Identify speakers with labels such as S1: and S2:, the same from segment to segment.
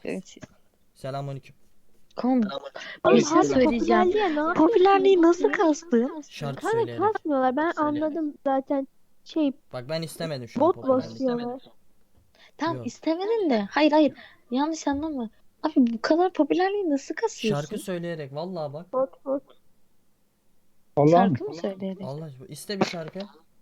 S1: Evet.
S2: Selamünaleyküm.
S1: Kanka
S3: Oğlum
S1: bir şey
S3: harbi
S1: söyleyeceğim.
S3: popülerliğe ne yapıyorsun?
S1: Popülerliği nasıl kastın?
S2: Şarkı
S3: Kanka
S2: söyleyerek.
S3: kasmıyorlar. Ben anladım zaten. Şey,
S2: Bak ben istemedim şu an
S3: bot
S2: popülerlik.
S3: basıyorlar.
S1: Tamam
S2: Yok.
S1: istemedin de. Hayır. Yanlış anlama. Abi bu kadar popülerliği nasıl
S2: Şarkı
S1: kasıyorsun?
S2: söyleyerek vallahi bak.
S3: Bot.
S4: Allah'ım.
S1: Şarkı mı söyleyerek?
S2: Allah aşkına iste bir şarkı.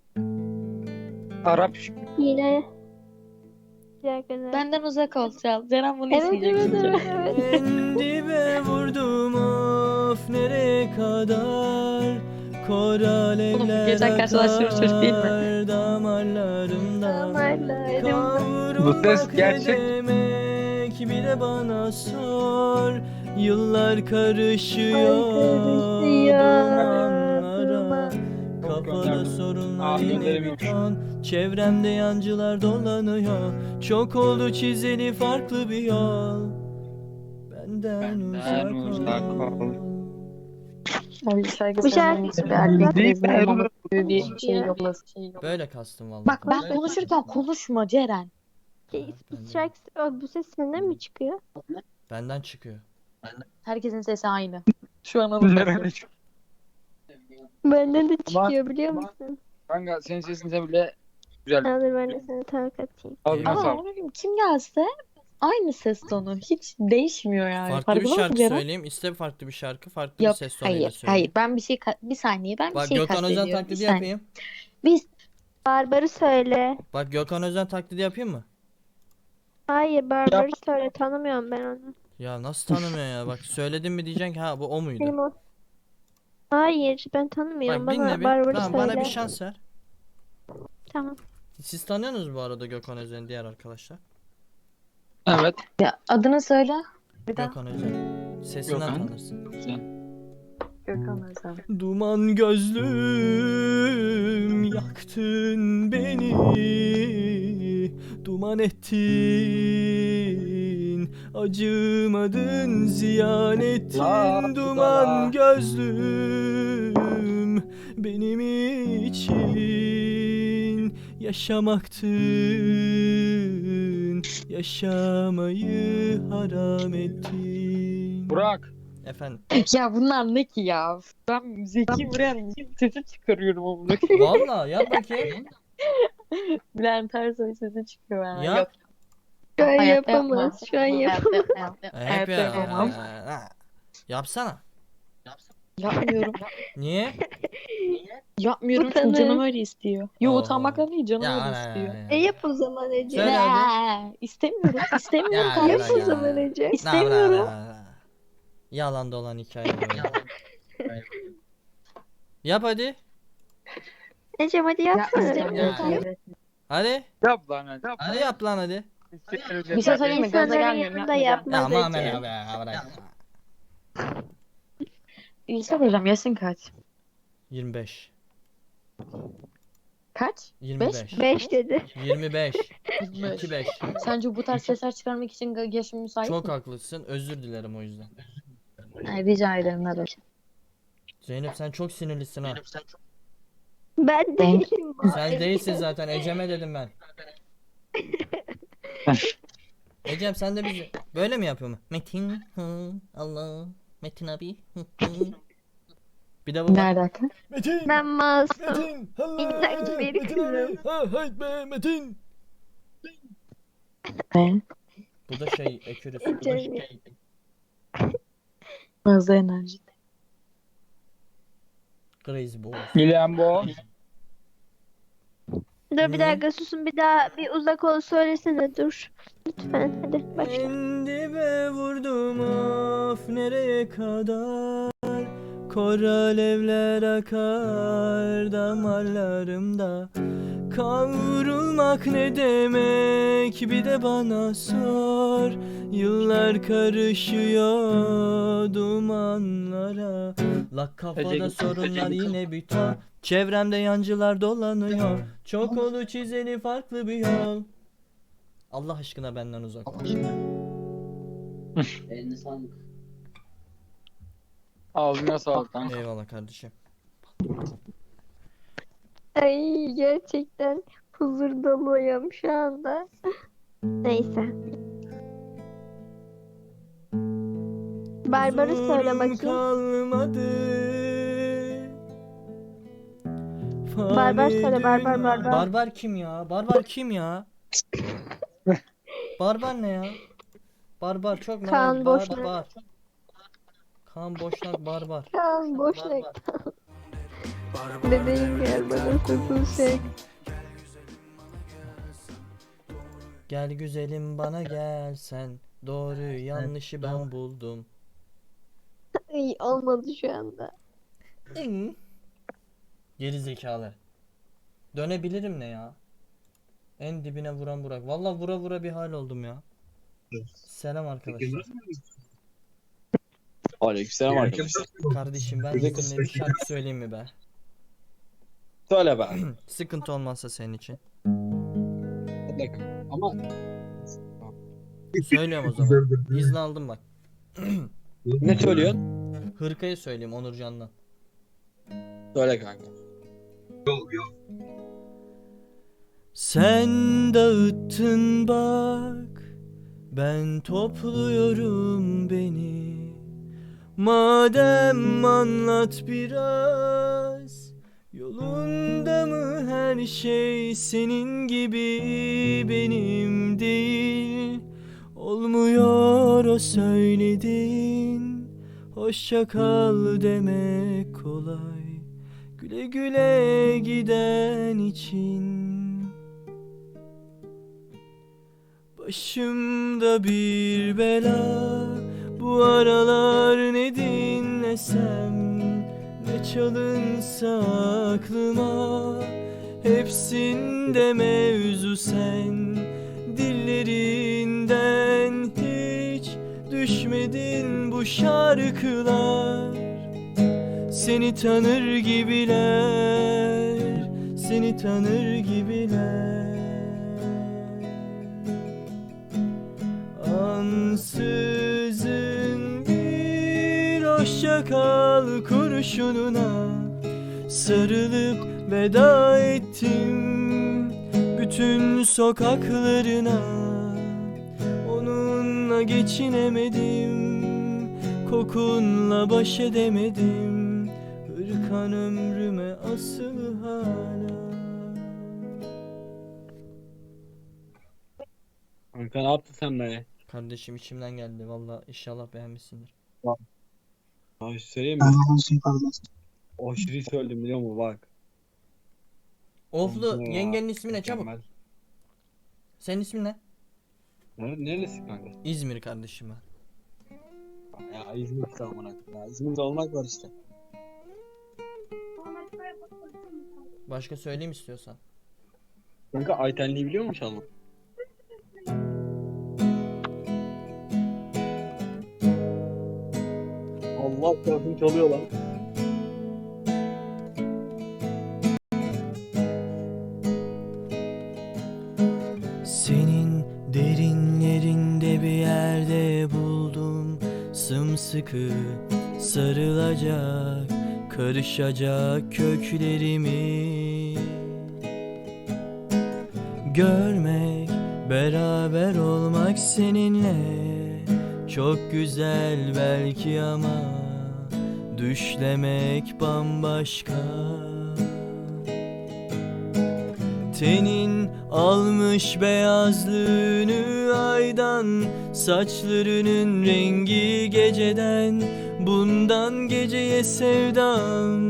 S4: Arap
S3: Yine. Güzel güzel.
S1: Benden uzak ol Çal. Ceren bunu
S3: Evet
S1: isteyecek
S3: evet
S1: şimdi.
S3: evet evet.
S2: En dibe vurdum of nereye kadar. Kor alevler
S1: geçen karşılaştığımız çocuk değil mi?
S2: akar damarlarımda.
S3: Damarlarımda.
S4: Bu ses
S2: Kavrulmak ne
S4: gerçek.
S2: demek bir de bana sor. Yıllar karışıyor dumanlara. Kafada sorunlar
S4: Abi
S2: yine
S4: gönderemiyorum.
S2: bir ton. Çevremde yancılar dolanıyor. Çok oldu çizeli farklı bir yol. Benden uzak ol.
S1: Abi şarkı
S3: Bu
S1: söylemek
S3: şarkı-
S1: bir erkek
S4: Değil
S1: rezil
S4: mi?
S1: olmamak gibi bir şey yok.
S2: Böyle kastım vallahi.
S1: Bak ben konuşurken konuşma Ceren.
S3: Bu ses senden mi çıkıyor?
S2: Benden çıkıyor.
S1: Herkesin sesi aynı. Şu an
S4: Nerede?
S3: Benden de
S4: Ama-
S3: çıkıyor biliyor musun?
S4: Kanka senin sesin de bile güzel.
S3: Hadi ben de sana tarif atayım.
S4: Ağzına
S2: Eyvallah.
S1: Ama
S4: sağlık.
S1: kim gelse aynı ses tonu. Hiç değişmiyor yani.
S2: Farklı bir
S1: Farkında mısın
S2: şarkı
S1: Ceren?
S2: söyleyeyim. İste farklı bir şarkı. Farklı bir
S1: Yok
S2: ses tonuyla
S1: hayır
S2: söyleyeyim.
S1: Ben bir şey bir saniye ben bir
S2: Bak
S1: şey
S2: Gökhan Özen
S1: kastediyorum. Bir
S2: taklidi
S1: saniye.
S2: yapayım.
S1: Biz
S3: Barbarı söyle.
S2: Bak Gökhan Özen taklidi yapayım mı?
S3: Hayır Barbarı söyle. Tanımıyorum ben onu.
S2: Ya nasıl tanımıyor ya? Bak söyledim mi diyeceksin ki ha bu o muydu?
S3: Benim o. Hayır ben tanımıyorum.
S2: Bak dinle
S3: Bana
S2: bir.
S3: Barbarı
S2: Tamam
S3: söyle.
S2: bana bir şans ver.
S3: Tamam.
S2: Siz tanıyorsunuz bu arada Gökhan Özen'i diğer arkadaşlar.
S4: Evet.
S1: ya adını söyle. Bir daha.
S2: Gökhan Özen. Sesinden
S4: Gökhan.
S2: tanırsın.
S1: Gökhan Özen.
S2: Duman gözlüm yaktın beni. Duman ettin. Acımadın ziyan ettin. Duman gözlüm benim için yaşamaktın. Yaşamayı haram ettin.
S4: Burak.
S2: Efendim.
S1: Ya bunlar ne ki ya? Ben Zeki Müren sesi çıkarıyorum onu.
S2: Vallahi yap bakayım.
S1: Bülent Ersoy sesi çıkıyor yani.
S2: Yap.
S1: Yok,
S3: Şu an
S1: hayatta
S3: yapamaz.
S1: yapmam.
S3: Şu an yapamaz.
S2: Hep
S1: Hayatta
S2: ya.
S1: yapamam.
S2: Yapsana.
S1: Yapmıyorum.
S2: Niye?
S1: Yapmıyorum çünkü
S3: Utanır.
S1: canım öyle istiyor. Yo
S2: Oo.
S1: utanmakla değil canım
S2: Ya
S1: öyle
S2: ana
S1: istiyor.
S2: ya.
S3: Yap o zaman Ece.
S2: Söyle hadi.
S1: İstemiyorum. İstemiyorum
S2: Ya,
S1: kardeşim.
S3: Yap o zaman Ece.
S1: İstemiyorum.
S2: Yalan dolan hikaye. Yap hadi.
S3: Ece hadi
S1: Ya
S3: yapsana.
S1: istemiyorum
S2: Ya.
S1: kardeşim.
S2: Hadi.
S4: Yap lan hadi. Yap.
S2: Hadi yap lan hadi.
S1: Bir şey söyleyeyim mi? Gaza
S3: İnsanların
S1: gelmiyorum.
S3: yanında
S1: Yapmayacağım.
S2: Ya
S3: yapmaz
S2: Muhammed
S3: Ece.
S2: abi ya bırak.
S1: İlse hocam yaşın kaç?
S2: 25.
S1: Kaç?
S2: 25.
S3: 5 dedi.
S2: 25.
S1: 25.
S2: 25.
S1: Sence bu tarz sesler çıkarmak için yaşın müsait
S2: Çok
S1: mi?
S2: haklısın. Özür dilerim o yüzden.
S1: Ay, rica ederim ne demek.
S2: Zeynep sen çok sinirlisin ha.
S3: Ben değilim bu.
S2: Sen değilsin zaten. Ecem'e dedim ben. Ecem sen de bizi böyle mi yapıyor mu? Metin Allah Metin abi bir de bu
S1: Ne
S2: var.
S1: alaka?
S2: Metin
S3: Ben masum.
S2: Metin
S3: İnanç bir kızım.
S2: hayt be Metin.
S1: Ne?
S2: Bu da şey ekürüs.
S3: Ece.
S1: Fazla enerji.
S2: Crazy boy.
S4: Bilen bu.
S3: Dur bir dakika susun bir daha bir uzak ol söylesene dur. Lütfen hadi başla.
S2: En dibe vurdum of nereye kadar. Kor alevler akar damarlarımda. Kavrulmak ne demek bir de bana sor. Yıllar karışıyor dumanlara. La kafada
S4: Ece-
S2: sorunlar yine bir ton. Çevremde yancılar dolanıyor. Çok oldu çizeli farklı bir yol. Allah aşkına benden uzak ol.
S5: Eline sağlık.
S4: Ağzına sağlık lan.
S2: Eyvallah kardeşim.
S3: Ay gerçekten huzur doluyum şu anda. Neyse. Barbar'ı söyle
S2: Huzurum
S3: bakayım.
S2: kalmadı.
S3: Barbar
S2: Fani
S3: söyle, Barbar,
S2: dünya-
S3: Barbar.
S2: Barbar kim ya? Barbar kim ya? Barbar ne ya? Barbar çok merak.
S3: Kaan Boşnak.
S2: Barbar. Kaan Boşnak barbar.
S3: Kaan Boşnak. Bebeğim gel bana sırtını çek.
S2: Gel güzelim bana gel sen. Doğruyu yanlışı ben buldum.
S3: Ay, olmadı şu anda.
S2: Geri zekalı. Dönebilirim ne ya? En dibine vuran Burak. Vallahi vura vura bir hal oldum ya. Selam arkadaşlar.
S4: Aleykümselam arkadaşlar.
S2: Kardeşim ben izinle bir şarkı söyleyeyim mi be?
S4: Söyle be.
S2: Sıkıntı olmazsa senin için.
S4: Ama
S2: Söylüyorum o zaman. İzni aldım bak.
S4: ne söylüyorsun?
S2: Hırkayı söyleyeyim Onurcan'dan.
S4: Söyle kanka.
S2: Sen dağıttın bak, ben topluyorum beni. Madem anlat biraz, yolunda mı her şey senin gibi benim değil. Olmuyor o söyledin, hoşça kal demek kolay. Güle güle giden için. Başımda bir bela, bu aralar ne dinlesem, ne çalınsa aklıma, hepsinde mevzu sen. Dillerinden hiç düşmedin bu şarkılar. Seni tanır gibiler, seni tanır gibiler. Ansızın bir hoşça kal kurşununa sarılıp veda ettim bütün sokaklarına. Onunla geçinemedim, kokunla baş edemedim. Hırkan ömrüme asılı hala.
S4: Kanka ne yaptın sen be?
S2: Kardeşim içimden geldi valla, inşallah beğenmişsindir.
S4: Abi söyleyeyim mi? Aşırı söyledim biliyor musun bak.
S2: Oflu
S4: Kanka ya,
S2: yengenin ismi ne çabuk?
S4: mükemmel.
S2: Senin ismin ne?
S4: Neresi kanka?
S2: İzmir kardeşim ben.
S4: Ya İzmir işte amına. Ya İzmir'de olmak var işte.
S2: Başka söyleyeyim istiyorsan.
S4: Kanka Aytenli'yi biliyor musun çalma? Allah tarafını çalıyor lan.
S2: Senin derinlerinde bir yerde buldum sımsıkı sarılacak, karışacak köklerimi. Görmek, beraber olmak seninle çok güzel belki ama düşlemek bambaşka. Tenin almış beyazlığını aydan, saçlarının rengi geceden, bundan geceye sevdam.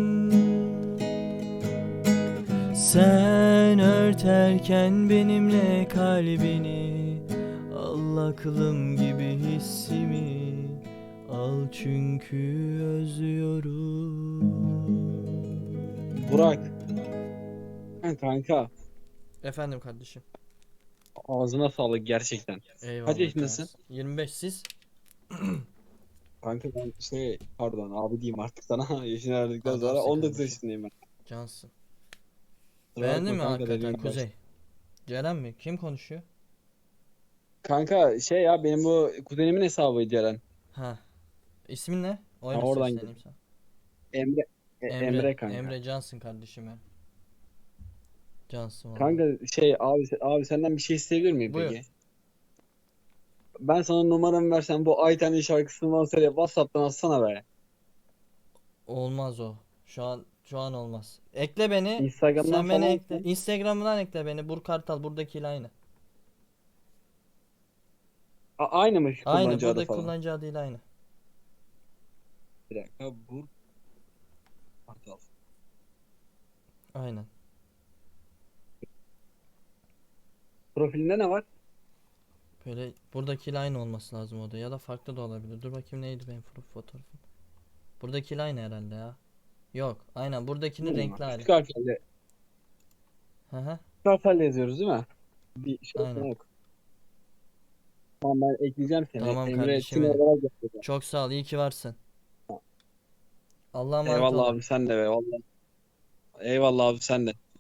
S2: Sen örterken benimle kalbini, al aklım gibi hissimi, al çünkü özlüyorum.
S4: Burak. Kanka
S2: Efendim kardeşim.
S4: ağzına sağlık gerçekten.
S2: Eyvallah.
S4: Kaç yaşındasın?
S2: 25 siz?
S4: Kanka ben pardon abi diyeyim artık sana. Yaşını verdikten
S2: Adamsın
S4: sonra 19
S2: kardeşim.
S4: yaşındayım ben.
S2: Cansın.
S4: Kusura
S2: Beğendin mi
S4: bakma kanka
S2: hakikaten
S4: dediğim
S2: Kuzey? Ceren mi? Kim konuşuyor?
S4: Kanka ya benim bu kuzenimin hesabıydı Ceren.
S2: Ha. İsmin ne? Öyle
S4: oradan
S2: sesleneyim sana.
S4: Emre. Emre kanka.
S2: Emre cansın kardeşim ya. Cansın vallahi.
S4: Kanka abi senden bir şey isteyebilir miyim
S2: Buyur.
S4: peki? Ben sana numaramı versem bu Ayten'in şarkısını bana söyle. WhatsApp'tan atsana be.
S2: Olmaz o. Şu an olmaz. Ekle beni.
S4: Instagram'dan
S2: Sen beni
S4: falan
S2: ekle. Instagram'dan ekle beni. Burkartal buradakiyle aynı.
S4: Aynı mı
S2: Aynı.
S4: kullanıcı adı
S2: Buradaki
S4: falan?
S2: kullanıcı adıyla aynı.
S4: Bir dakika. Kartal.
S2: Aynen.
S4: Profilinde ne var?
S2: Böyle buradakiyle aynı olması lazım o da. Ya da farklı da olabilir. Dur bakayım neydi benim fotoğrafım. Buradakiyle aynı herhalde ya. Yok. Aynen. Buradakinin renkli hali.
S4: Küçük harflerle,
S2: Hı hı.
S4: küçük harflerle yazıyoruz değil mi? Bir şey
S2: Aynen.
S4: yok. Tamam ben ekleyeceğim seni.
S2: Tamam
S4: Emre
S2: kardeşim
S4: Tüm
S2: benim.
S4: olarak yapacağım.
S2: Çok sağ ol. İyi ki varsın. Allah'a emanet
S4: Eyvallah
S2: olun.
S4: abi sen de be vallahi. Eyvallah abi sen de.